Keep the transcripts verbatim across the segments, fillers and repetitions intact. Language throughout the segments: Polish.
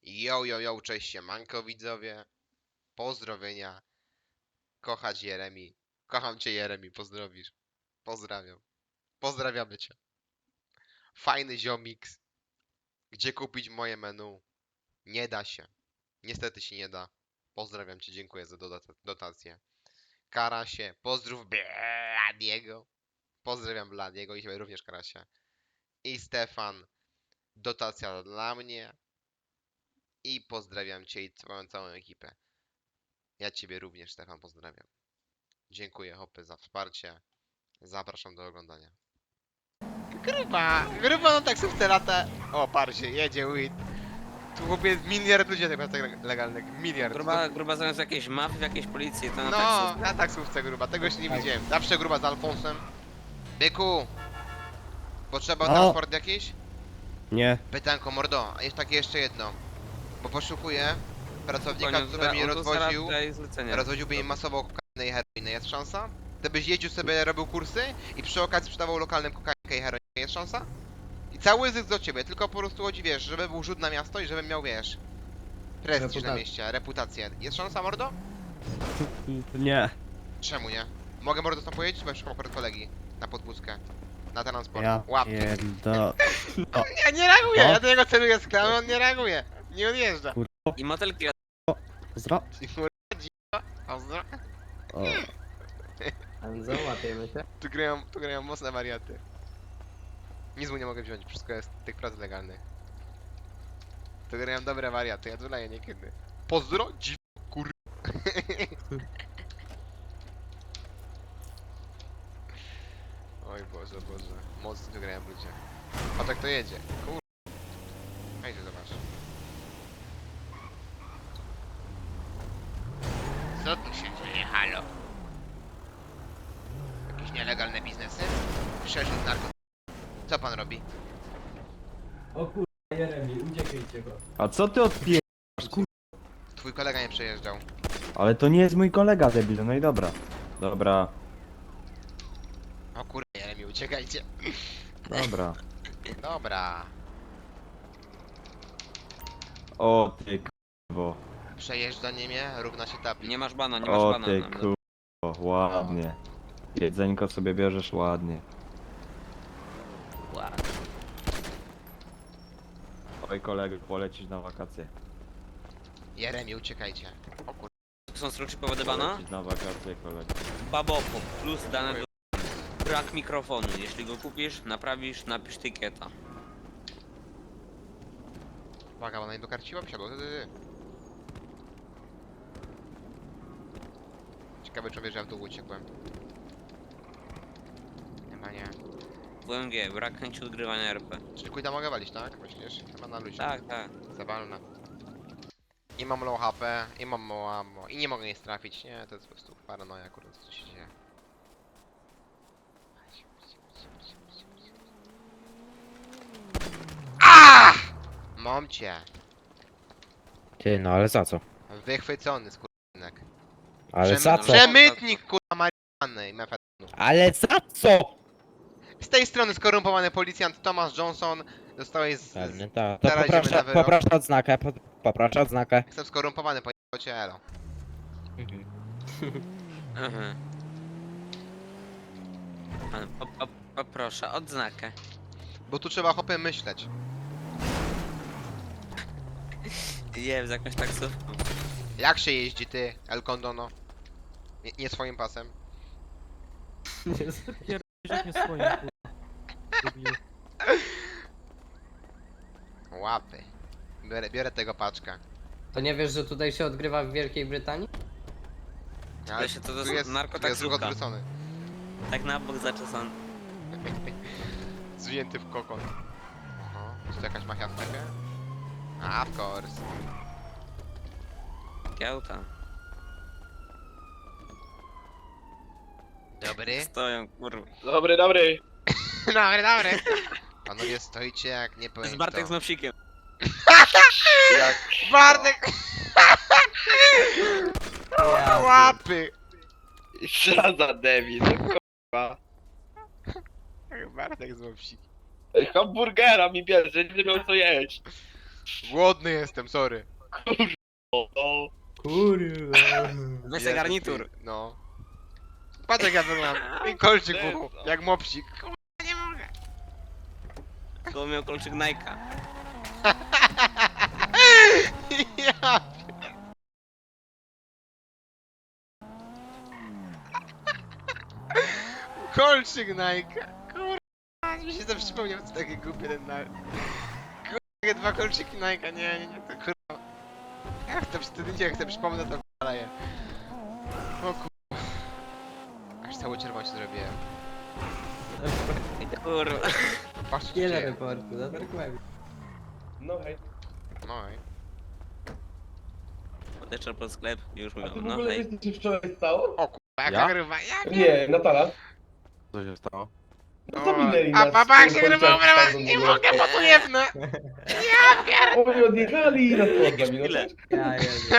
Yo, yo, yo, cześć siemanko widzowie. Pozdrowienia. Kochać Jeremi. Kocham cię Jeremi, pozdrowisz. Pozdrawiam. Pozdrawiamy cię. Fajny ziomiks. Gdzie kupić moje menu? Nie da się. Niestety się nie da. Pozdrawiam cię, dziękuję za dota- dotację. Karasie, pozdrów Bladiego. Pozdrawiam Bladiego i ciebie również Karasie. I Stefan, dotacja dla mnie. I pozdrawiam cię i twoją całą ekipę. Ja ciebie również, Stefan, pozdrawiam. Dziękuję, hopy, za wsparcie. Zapraszam do oglądania. Gruba! Gruba na taksówce lata. O, parcie, jedzie Wit. Tu chłopie miliard ludzi tak tak legalnych. Miliard. Gruba, gruba zamiast jakiejś mafii, w jakiejś policji, to na No, taksówce. na taksówce gruba. Tego jeszcze nie Tak. widziałem. Zawsze gruba z Alfonsem. Byku! Potrzeba No. transport jakiś? Nie. Pytanko, mordo. A jest takie jeszcze jedno. Bo poszukuję pracownika, Koniec, który by mnie on tu zaraz rozwoził. daje zlecenie. Rozwoziłby im masowo kokainę i heroinę. Jest szansa? Ty byś jeździł sobie, robił kursy i przy okazji sprzedawał lokalnym kokainkę i heroinę. Jest szansa? I cały zysk do ciebie, tylko po prostu chodzi, wiesz, żeby był rzut na miasto i żebym miał, wiesz, prestiż na Reputa- mieście, reputację. Jest szansa, mordo? Nie. Czemu nie? Mogę, mordo, tam pojeździć? Bo szukam akurat kolegi na podwózkę. Na transport. Ja Łap. pierdo... Nie, nie reaguje! No. Ja do niego celuję z klamy, on nie reaguje. Nie odjeżdża. I motelki Pozdro. Pozdro. O. Anzo, łapiemy się. Tu grają, tu grają mocne wariaty. Nic mu nie mogę wziąć, wszystko jest tych prac legalnych. Tu grają dobre wariaty, ja tu leję niekiedy. Pozdro, dziw, kur... Oj Boże, Boże. Mocno tu grają ludzie. A tak to jedzie. Kur... Hejdzie, zobacz. Co tu się dzieje, halo? Jakieś nielegalne biznesy? Przerzut narkotyków. Co pan robi? O kurwa, Jeremi, uciekajcie go. A co ty odpier... Twój kolega nie przejeżdżał. Ale to nie jest mój kolega debil, no i dobra. Dobra, O kurde, Jeremi, uciekajcie. dobra. Dobra. O ty k***wo. Przejeżdżanie mnie równa się tapi. Nie masz bana, nie masz O bana. ty nawet. k***wo, ładnie. Jedzenko sobie bierzesz ładnie. Ła. Oj kolego, polecisz na wakacje. Jeremi, uciekajcie. O kurde. Są struczy powody bana? Polecisz na wakacje kolego. Babopop plus dane do... Brak mikrofonu. Jeśli go kupisz, naprawisz, napisz tykieta. Uwaga, ona nie dokarciła, wsiadła. Ty, ty, ty. Ciekawe, czy wie, że ja w dół uciekłem. Chyba nie. W M G, brak chęci odgrywania R P. Czyli kujda mogę walić, tak? Myślisz? Chyba na luzie. Tak, tak. Zawalna. I mam low H P, i mam mało ammo, i nie mogę nic trafić. Nie, to jest po prostu paranoja, kurde, co się dzieje. Ah! Mam cię. Ty, no ale za co? Wychwycony, skurczynek. Ale za co? Przemytnik, kurwa, marihuany i mefedronu. Ale za co? Z tej strony skorumpowany policjant Thomas Johnson. Zostałeś z... z... Pewnie tak. To Zaraz idziemy na poproszę, wyrok. poproszę odznakę, po, poproszę odznakę. Jestem skorumpowany, po cię elo. Mhm. Pan, po, po, poproszę odznakę. Bo tu trzeba hopy myśleć. Jem z jakąś taksówką. Jak się jeździ ty, El Condono? Nie, nie swoim pasem. Łapy. Biorę, biorę tego paczka. To nie wiesz, że tutaj się odgrywa w Wielkiej Brytanii? Ale się to tu jest jest, tu jest narkotaksówka. ruch odwrócony. Tak na bok zaczesany. Zwinięty w kokon. Oho, jest tu jakaś mafia w sklepie? A, of course. Kiełta. Dobry? Stoją, kurwa. Dobry, dobry. Dobry, dobry. Panowie, stoicie jak nie To powiem jest Bartek kto. z Mopsikiem. Jak... Bartek! Ja Łapy! Co za debil, no kurwa. Bartek z Mopsik. Hamburgera mi bierze, nie miał co jeść. Głodny jestem, sorry. O, o. Kurwa. Weź Jezu, garnitur. ty- No. Patrz jak ja wyglądam. I kolczyk w uchu, Jezu. jak mopsik. Kurwa, nie mogę. To miał kolczyk Nike'a. Ja. Kolczyk Nike. Kurwa, mi się to przypomniał, co takie głupie ten na... Kurwa, takie dwa kolczyki Nike, nie, nie, nie, to kurwa. Jak to wtedy nie chcę, przypomnę to kurwa je. O kurwa. Aż cały czerwony się zrobiłem. Kurwa. Patrz co się Wiele dzieje. reportu, na dark webie. No hej. No i. Podeszła pod sklep i już A mówią, ty w no ogóle hej. wiesz, co się wczoraj stało? O kurwa, jaka Ja? grywa, ja Nie, Natala. Co się stało? No to minęli A nas. baba jak z się tym grywa, policjantem nie w ogóle. mogę, bo tu jebnę. Oni odjechali i nas podlami, no Chwilę. tak? Ja jezu.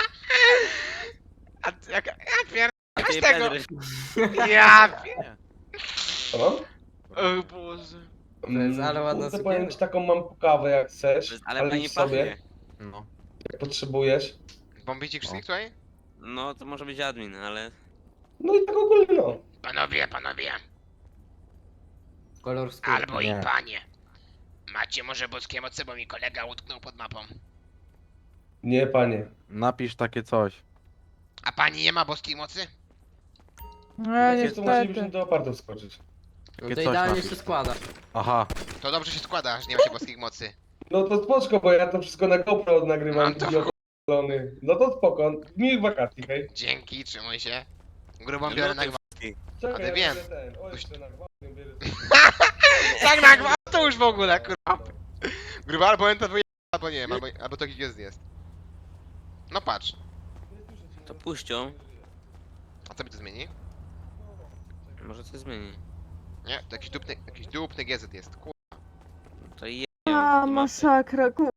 A ty jaka, ja pier... A Weź ty tego. Pedry. Ja pier... Co mam? O Boże. jest ale ładna Kurde, sukienka. powiem ci taką mam pokawę jak chcesz, Ale ale pani idź sobie, pachnie. No. jak potrzebujesz. Bombicie krzyk O. tutaj? No to może być admin, ale... No i tak ogólnie no. Panowie, panowie, Kolor skóry. albo Nie. i panie. Macie może boskie moce, bo mi kolega utknął pod mapą. Nie panie. Napisz takie coś. A pani nie ma boskiej mocy? No Wiecie, to musielibyśmy do apartu skoczyć. No Takie to coś idealnie napisz. się składa. Aha. To dobrze się składa, że nie ma się boskich mocy. No to spoczko, bo ja to wszystko na GoPro nagrywam. Mam to w i odpalony. No to spoko. Miłych wakacji, hej. Dzięki, trzymaj się. Grubą biorę na gwałt. Czekaj, Ale ja wiem. biorę ten. O, jeszcze na gwałtnie bierę. Tak na gwałt to już w ogóle, kurwa. Gruba albo enta dwójka, albo nie wiem, albo, albo to jest jest. No patrz. To puścią. A co mi to zmieni? Może coś zmieni. Nie, to jakiś dupny, jakiś dupny G Z jest, kur... To i A, masakra, ku...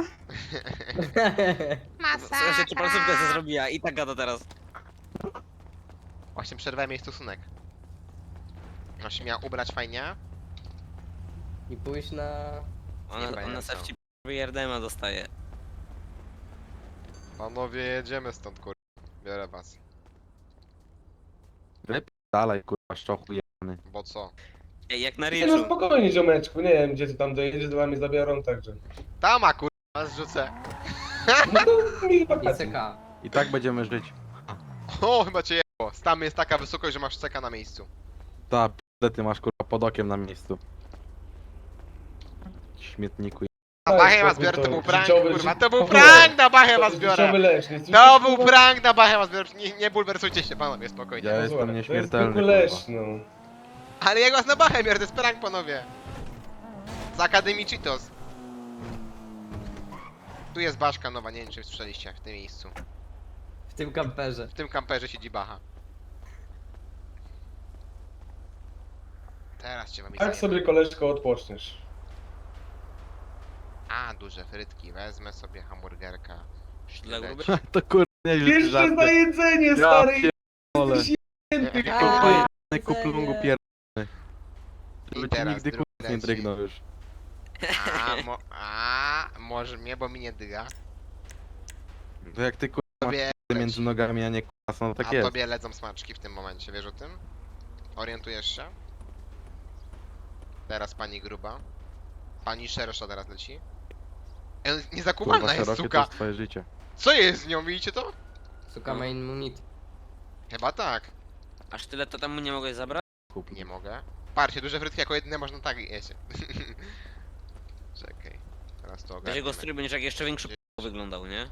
Co się tu placówka co zrobiła i tak gada teraz. Właśnie przerwałem jej stosunek. No się miała ubrać fajnie. I pójść na... Ona, Nie ona pamiętam. se wci Jardema dostaje. Panowie, jedziemy stąd, kur... Biorę was. Dalej, kurwa, szczochu jebany. Bo co? Ej, jak na Nie no Riczu. spokojnie ziomeczku, nie wiem gdzie ty tam dojedziesz, to wami zabiorą, także. Tama, kur... Was zrzucę. No to miłych I wakacji. C K. I tak będziemy żyć. O, chyba cię jebło. Tam jest taka wysokość, że masz ceka na miejscu. Ta p***e, ty masz kurwa pod okiem na miejscu. Śmietniku. A Daj bachę was spokój, biorę, to to był prank, życiowy- kurwa. ży- To był w ogóle. prank, na bachę To was jest biorę. życiowy leszcz, nie To słyszysz, był kurwa? prank, na bachę was biorę. Nie, nie bulwersujcie się, panowie, spokojnie. Ja No jestem zobacz, nieśmiertelny, To jest zwykły kurwa. leszcz, no. Ale ja was na bachę biorę, to jest prank, panowie. Z Akademii Cheetos. Tu jest baszka nowa, nie wiem czy słyszeliście, w tym miejscu. W tym kamperze. W tym kamperze siedzi bacha. Teraz cię wam Tak sobie koleżko odpoczniesz. A, duże frytki, wezmę sobie hamburgerka. Dla Sztyleci. grubych. To kurwa, nieźle Jeszcze za żarty. jedzenie, Ja stary! pierdolę. Jesteś jęty, A, kurwa. Pojebany kuplungu pierdolony. I Żeby ci teraz nigdy drugi kurwa nie leci. drygnął już. A, mo a, może mnie, bo mi nie dyga. To jak ty kurwa masz Tobie p***y między leci. nogami, a nie kurwa, no tak A jest. tobie ledzą smaczki w tym momencie, wiesz o tym? Orientujesz się? Teraz pani gruba. Pani szersza teraz leci. E, Kurwa, Niezakuwalna jest szerokie to suka. jest twoje życie. Co jest z nią, widzicie to? Suka No. main munit. Chyba tak. Aż tyle to temu nie mogłeś zabrać? Kup. Nie mogę. Patrzcie, duże frytki jako jedyne można tak jeść. Czekaj. Teraz to Weź ogarniemy. jego strój będziesz jak jeszcze większy k***a wyglądał, nie?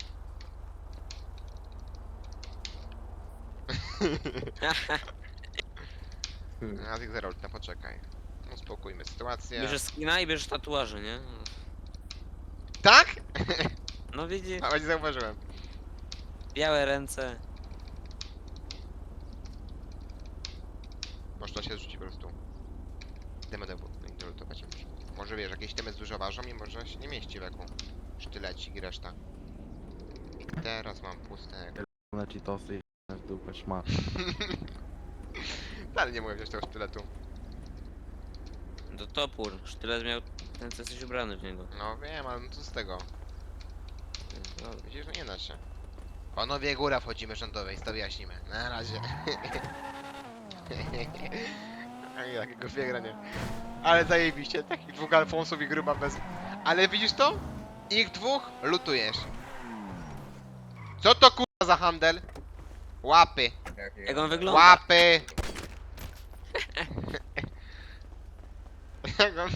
Nazik Zerolta, poczekaj. Uspokójmy sytuację. Bierzesz skina i bierzesz tatuaże, nie? Tak? No widzisz, Nawet nie zauważyłem. białe ręce. Można się zrzucić po prostu. Idziemy do lutować. Może wiesz, jakieś temy dużo ważą i może się nie mieści w eku. Sztylecik i reszta. Teraz mam puste. Na ci tosy i w dupę szmat. Dalej nie mogę wziąć tego sztyletu. To topór. Sztylet miał ten, co jesteś ubrany w niego. No wiem, ale no co z tego? No, widzisz, no nie da się. Panowie, góra wchodzimy rządowej, to wyjaśnimy. Na razie. Ej, Takiego fiegra nie. Ale zajebiście, takich dwóch Alfonsów i gruba bez... Ale widzisz to? Ich dwóch lutujesz. Co to kurwa za handel? Łapy. Jak on wygląda? Łapy! Jak on...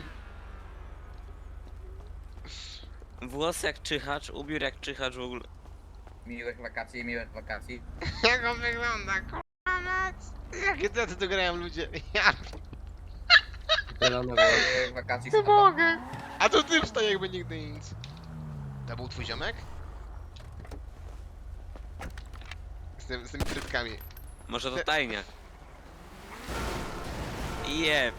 Włos jak czyhacz, ubiór jak czyhacz w ogóle. Miłych wakacji, miłych wakacji. Jak on wygląda, kurwa mać! Jakie tacy tu grają ludzie? Ja Zielone włosy. Miłych wakacji nie mogę! A to ty wstaje jakby nigdy nic. To był twój ziomek? Z, tym, z tymi frytkami. Może to tajniak. Jeb.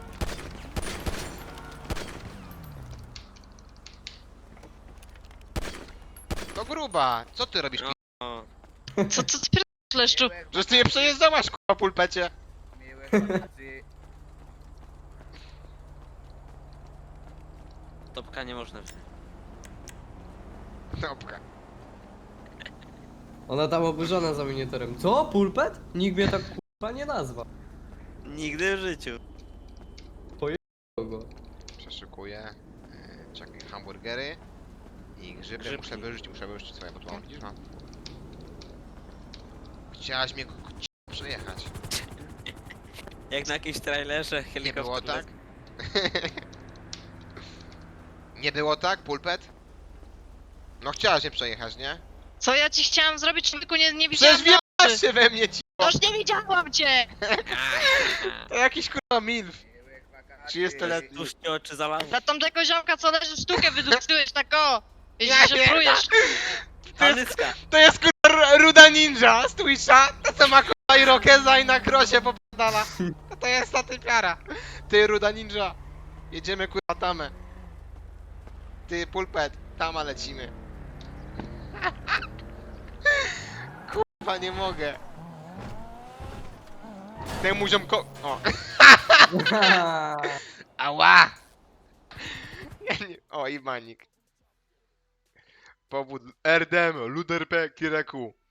To gruba! Co ty robisz, No. pi- O, Co, co ty pierdolisz, leszczu? Przecież ty nie przejeżdżałaś, kurwa, pulpecie! Miłych wakacji. topka nie można wziąć. Dobra. Ona tam oburzona za miniaturem. Co? Pulpet? Nikt mnie tak kurwa nie nazwał. Nigdy w życiu. Kogo? Przeszukuję. Yy, czekaj, hamburgery. I grzyby Grzybki. muszę wyrzucić, muszę wyrzucić swoje, bo tu mam, widzisz, no. Chciałaś mnie k- k- przejechać. Jak na jakimś trailerze Nie helikopter. było tak? Nie było tak, pulpet? No chciałaś mnie przejechać, nie? Co ja ci chciałam zrobić, tylko nie, nie widziałam Przecież na wjebałaś oczy. się we mnie, ci. Toż nie widziałam cię! To jakiś kurwa milf. Miłych wakacji. trzydziestoletni. Tuż ci oczy zalały. Dla tamtego ziomka, co leży sztukę wydłużyłeś, tak o! Ja Jeśli nie, że prujesz. Panyska. To jest kurwa r- ruda ninja z Twitcha. To co ma kurwa irokeza i na krosie popadala. To, to jest ta typiara. Ty ruda ninja. Jedziemy kurwa tamę. Ty pulpet, tama lecimy. Kurwa nie mogę. Temu ziomko... O. Ała! Ja nie... O, i manik. Powód R D M, Luder P, Kireku.